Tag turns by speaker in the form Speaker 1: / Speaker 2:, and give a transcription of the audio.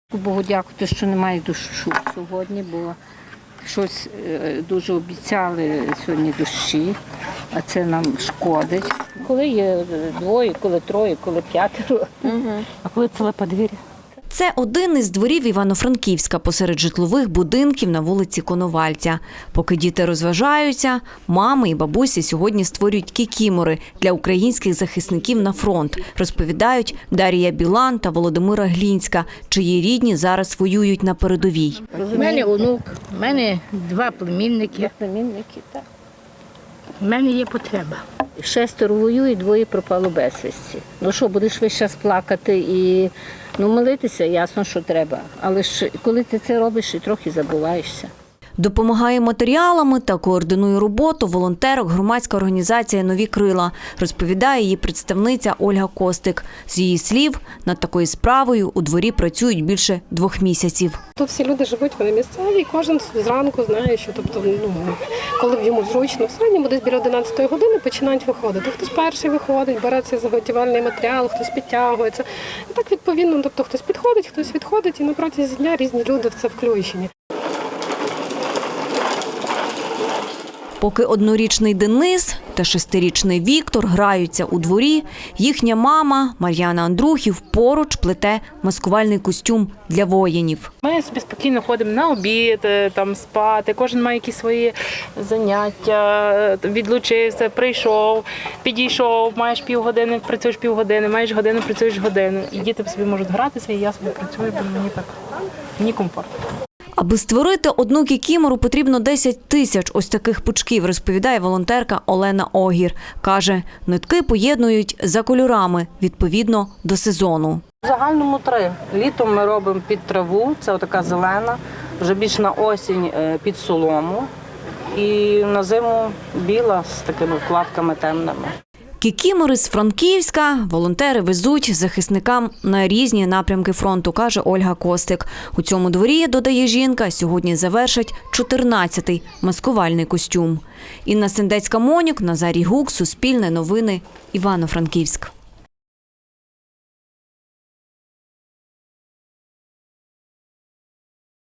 Speaker 1: Богу дякувати, що немає дощу сьогодні, бо щось дуже обіцяли сьогодні дощі, а це нам шкодить. Коли є двоє, коли троє, коли п'ятеро, а коли ціле подвір'я.
Speaker 2: Це один із дворів Івано-Франківська посеред житлових будинків на вулиці Коновальця. Поки діти розважаються, мами і бабусі сьогодні створюють кікімори для українських захисників на фронт, розповідають Дар'я Білан та Володимира Глінська, чиї рідні зараз воюють на передовій.
Speaker 3: У мене онук, у мене два племінники.
Speaker 1: Так.
Speaker 3: У мене є потреба.
Speaker 1: 6 воює, 2 пропало безвісті. Ну що, будеш весь час плакати і молитися, ясно, що треба. Але ж коли ти це робиш, і трохи забуваєшся.
Speaker 2: Допомагає матеріалами та координує роботу волонтерок громадська організація «Нові крила», розповідає її представниця Ольга Костик. З її слів, над такою справою у дворі працюють більше 2 місяців.
Speaker 4: Тут всі люди живуть, вони місцеві, кожен зранку знає, що коли йому зручно, в середньому десь біля 11 години починають виходити. Хтось перший виходить, бере цей заготівельний матеріал, хтось підтягується. І так відповідно, хтось підходить, хтось відходить, і на протязі дня різні люди в це включені.
Speaker 2: Поки 1-річний Денис та 6-річний Віктор граються у дворі, їхня мама Мар'яна Андрухів поруч плете маскувальний костюм для воїнів.
Speaker 5: Ми собі спокійно ходимо на обід, там спати, кожен має якісь свої заняття, відлучився, прийшов, підійшов, маєш півгодини, працюєш півгодини, маєш годину, працюєш годину. І діти собі можуть гратися, і я собі працюю, бо мені комфортно.
Speaker 2: Аби створити одну кікімору, потрібно 10 тисяч ось таких пучків, розповідає волонтерка Олена Огір. Каже, нитки поєднують за кольорами, відповідно до сезону.
Speaker 6: В загальному 3. Літом ми робимо під траву, це отака зелена, вже більш на осінь під солому. І на зиму біла з такими вкладками темними.
Speaker 2: Кікімори з Франківська волонтери везуть захисникам на різні напрямки фронту, каже Ольга Костик. У цьому дворі, додає жінка, сьогодні завершать 14-й маскувальний костюм. Інна Сендецька-Монюк, Назарій Гук, Суспільне новини, Івано-Франківськ.